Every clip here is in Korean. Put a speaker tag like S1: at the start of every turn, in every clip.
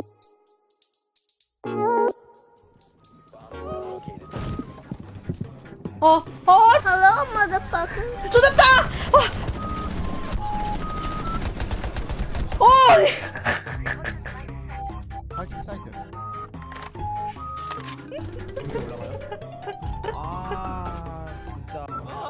S1: Hello, motherfucker.
S2: 조졌다!
S3: 다시 사이트. 진짜.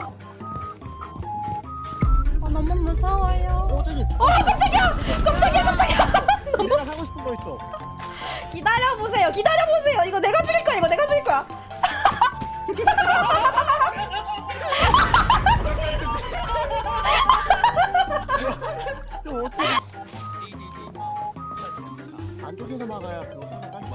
S2: 너무 무서워요.
S3: 저기.
S2: 깜짝이야!
S3: 내가 하고 싶은 거 있어.
S2: 기다려보세요. 이거 내가 죽일 거야.
S3: 또 어떻게? 안쪽에서 막아야 그거 하나 깔.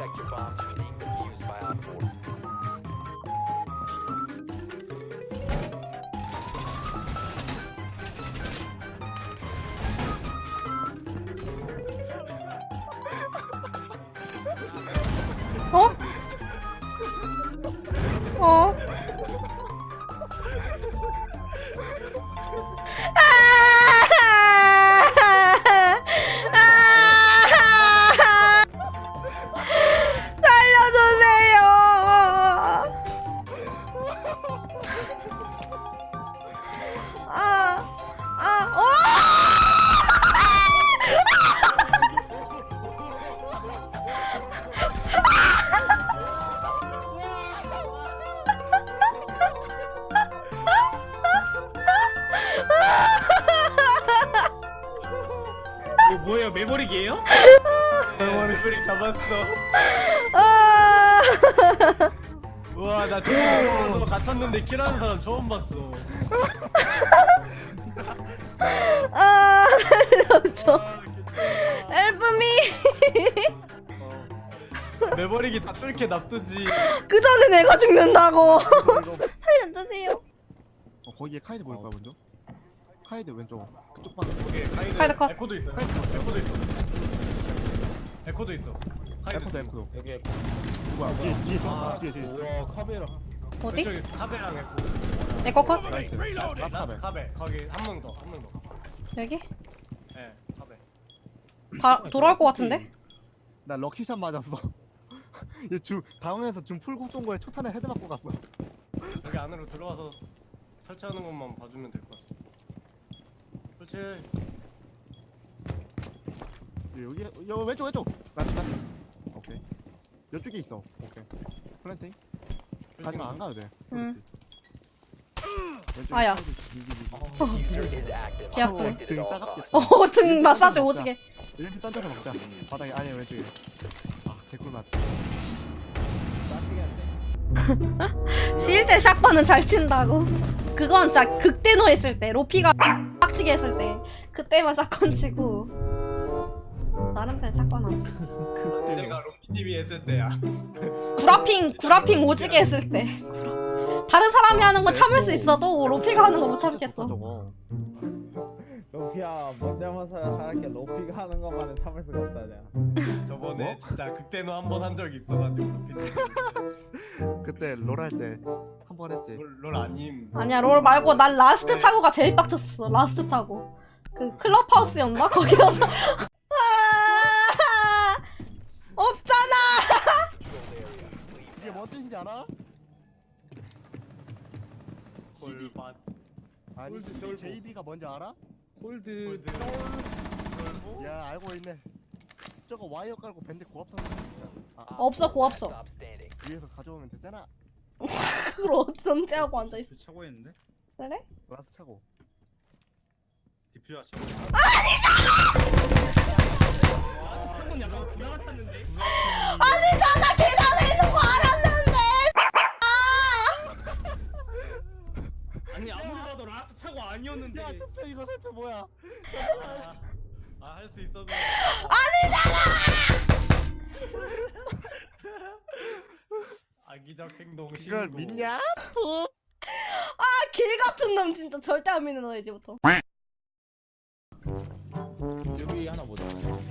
S4: 이거 뭐예요? 메모릭이에요? 메모릭 잡았어. 우와, 나 저거 갇혔는데 킬하는 사람 처음 봤어.
S2: 살려줘. 엘프미.
S4: 메모릭이 다 뚫게 놔두지.
S2: 그 전에 내가 죽는다고.
S3: 이거
S2: 살려주세요.
S3: 거기에 카이드 보일 거야 먼저. 카이드 왼쪽 그쪽 방.
S2: 카이드 컷.
S4: 에코도 있어. 에코도 있어.
S3: 에코도 에코도.
S4: 여기 에코.
S3: 누구야? 뒤에 뒤에.
S4: 우와, 카베라.
S2: 어디?
S4: 저기 카베랑 에코.
S2: 에코 컷?
S4: 나이스.
S3: 라스 카베.
S4: 카베. 거기 한 명 더.
S2: 여기?
S4: 예, 카베.
S2: 돌아올 것 같은데?
S3: 나 럭키샷 맞았어. 얘 다운에서 줌 풀고 쏜 거에 초탄에 헤드 맞고 갔어.
S4: 여기 안으로 들어와서 설치하는 것만 봐주면 될 것 같아. 설치.
S3: 여기 왼쪽. 나. 오케이. 이쪽에 있어. 오케이. 플랜팅. 가지마 안 가도 돼.
S2: 응.
S3: 왼쪽에
S2: 아야.
S3: 카이드
S2: 개 아픈.
S3: 등 따갑겠다.
S2: 등 마사지 오지게.
S3: 이렇게 던져서 먹자. 바닥에 아니 왼쪽에. 개꿀맛.
S2: 시일 때 샷건은 잘 친다고. 그건 진짜 극대노 했을 때, 로피가 빡치게 했을 때, 그때만 샷건 치고. 다른 땐 샷건 안 치지.
S4: 내가 롬피님이 했을 때야.
S2: 구라핑 오지게 했을 때. 다른 사람이 하는 건 참을 수 있어도 로피가 하는 거 못 참겠어.
S3: 저거.
S5: 로피야 뭔 잘못을 살았게 로피가 하는 것만은 참을 수가 없다냐.
S4: 저번에 진짜 극대노 한 번 한 적이 있어가지고 롬피님.
S3: 그때 롤 할 때 한 번 했지.
S4: 롤 아님.
S2: 아니야, 롤 말고 난 라스트 차고가 제일 빡쳤어. 라스트 차고. 그 클럽하우스였나? 거기 가서. 없잖아!
S3: 이게 뭔 뜻인지 알아?
S4: 골밭.
S3: 아니
S4: 홀드
S3: CD
S4: 쫄보.
S3: JB가 뭔지 알아?
S4: 홀드.
S3: 야 알고 있네. 저거 와이어 깔고 밴드 고압선
S2: 없어, 고압서.
S3: 위에서 가져오면 되잖아.
S2: 그걸 언제하고 앉아있어.
S6: 차고 있는데?
S2: 그래?
S3: 라스 차고.
S6: 디퓨저 차고.
S4: 한번 약간 구나 같았는데.
S2: 아니잖아! 계단에 있는 거 알았는데!
S4: 아니 아무리 봐도 라스 차고 아니었는데.
S3: 야 투표 이거 살펴 뭐야?
S4: 할 수 있었는데. 악의적 행동.
S3: 이걸
S4: 신고.
S3: 믿냐? 푹.
S2: 길 같은 놈 진짜 절대 안 믿는 너 이제부터.
S5: 여기 하나 보자.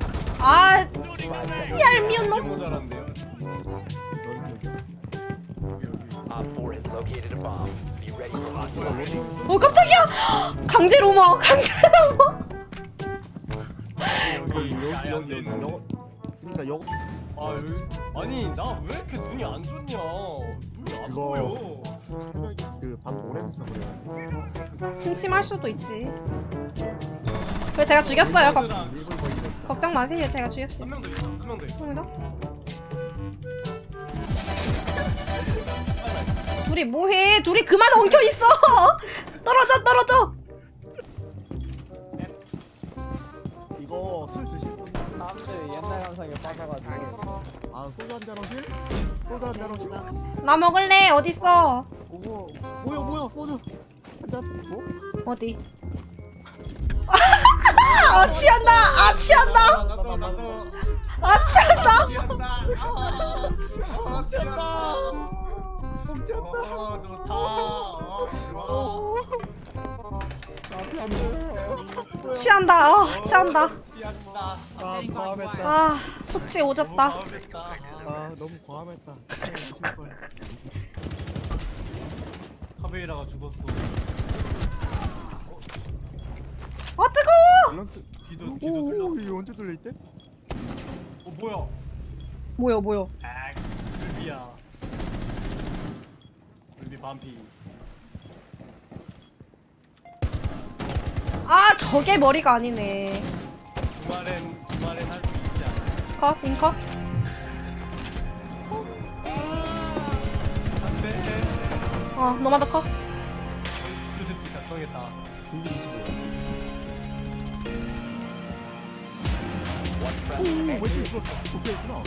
S2: 얄미운 놈.
S4: 너무 잘한대요.
S2: 깜짝이야! 강제 로머.
S3: 여기 그러니까 여
S4: 아 여기 아니 나 왜 이렇게 눈이 안 좋냐? 눈이 안
S3: 이거-
S4: 보여.
S3: 그밤 오래 했어 그래.
S2: 침침할 수도 있지. 왜 제가 죽였어요?
S4: 얘들아,
S2: 걱정 마세요. 제가 죽였어요.
S4: 한 명 더 있어. 한 명 더 있어.
S2: 감사합니다. 둘이 뭐해? 둘이 그만 엉켜 있어. 떨어져 떨어져.
S3: 이거 술 드실 분?
S5: 사람들이 옛날 감성에 빠져가지고.
S3: 아 소주 한잔 하실? 소주 한잔 하실?
S2: 나 먹을래. 어디 있어?
S3: 오고 뭐야 소주 한잔 뭐?
S2: 어디? 아 취한다. 아 취한다.
S4: 나도
S2: 아 취한다.
S4: 미안다. 아
S3: 훔쳤다.
S4: 좋다. 좋아.
S3: 앞이 안 보여.
S2: 취한다. 취한다.
S4: 미안다.
S3: 아 과함했다.
S2: 아 숙취 오졌다.
S3: 아 너무 과함했다.
S4: 카베이라가 죽었어.
S2: 아 뜨거워.
S3: 밸런스.
S4: 뒤도 뚫려.
S3: 오 이거 언제 뚫려 있대?
S4: 뭐야?
S2: 뭐야?
S4: 아, 루비야. 루비 반피.
S2: 아 저게 머리가 아니네.
S4: 주말엔 할 수 있지 않아?
S2: 컷 인컷.
S4: 안돼.
S2: 노마드 컷.
S4: 유스피 작성했다.
S3: 오 왼쪽 있어. 도쿄 있구나.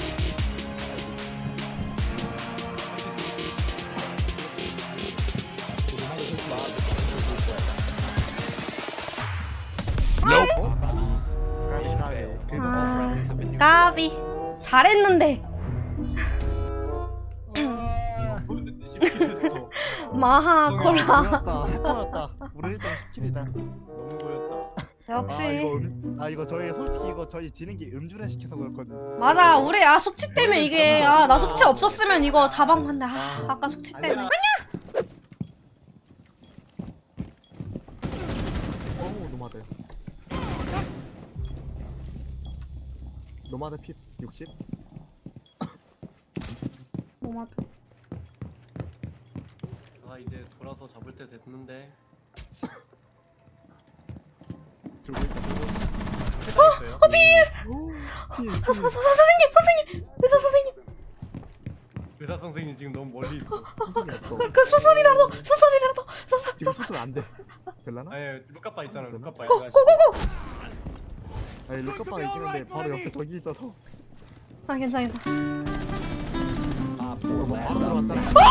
S2: 아 까비. 잘했는데.
S4: 보였는데 10킬했어.
S2: 마하 콜라.
S3: 보였다. 해보였다. 우리 일단 10킬이다.
S4: 너무 보였다.
S2: 역시.
S3: 이거 저희 솔직히 이거 저희 지는 게 음주를 시켜서 그렇거든.
S2: 맞아 우리 숙취 때문에 이게 나 숙취 없었으면 이거 자방 봤네. 아까 숙취 때문에.
S4: 아니야.
S3: 오 노마드. 노마드 피 60.
S2: 노마드.
S4: 아 이제 돌아서 잡을 때 됐는데.
S3: 들고 있다.
S4: 있어요?
S2: 선생님 의사 선생님.
S4: 의사 선생님 지금 너무 멀리 있어.
S3: 수술이 없어.
S2: 그 수술이라도.
S3: 지금 수술 안 돼. 될라나?
S4: 아니 루카빠 있잖아. 루카빠.
S2: 고고고.
S3: 아니 루카파가 있는데 바로 옆에 저기 있어서
S2: 아 괜찮아.
S3: 바로 들어갔잖아.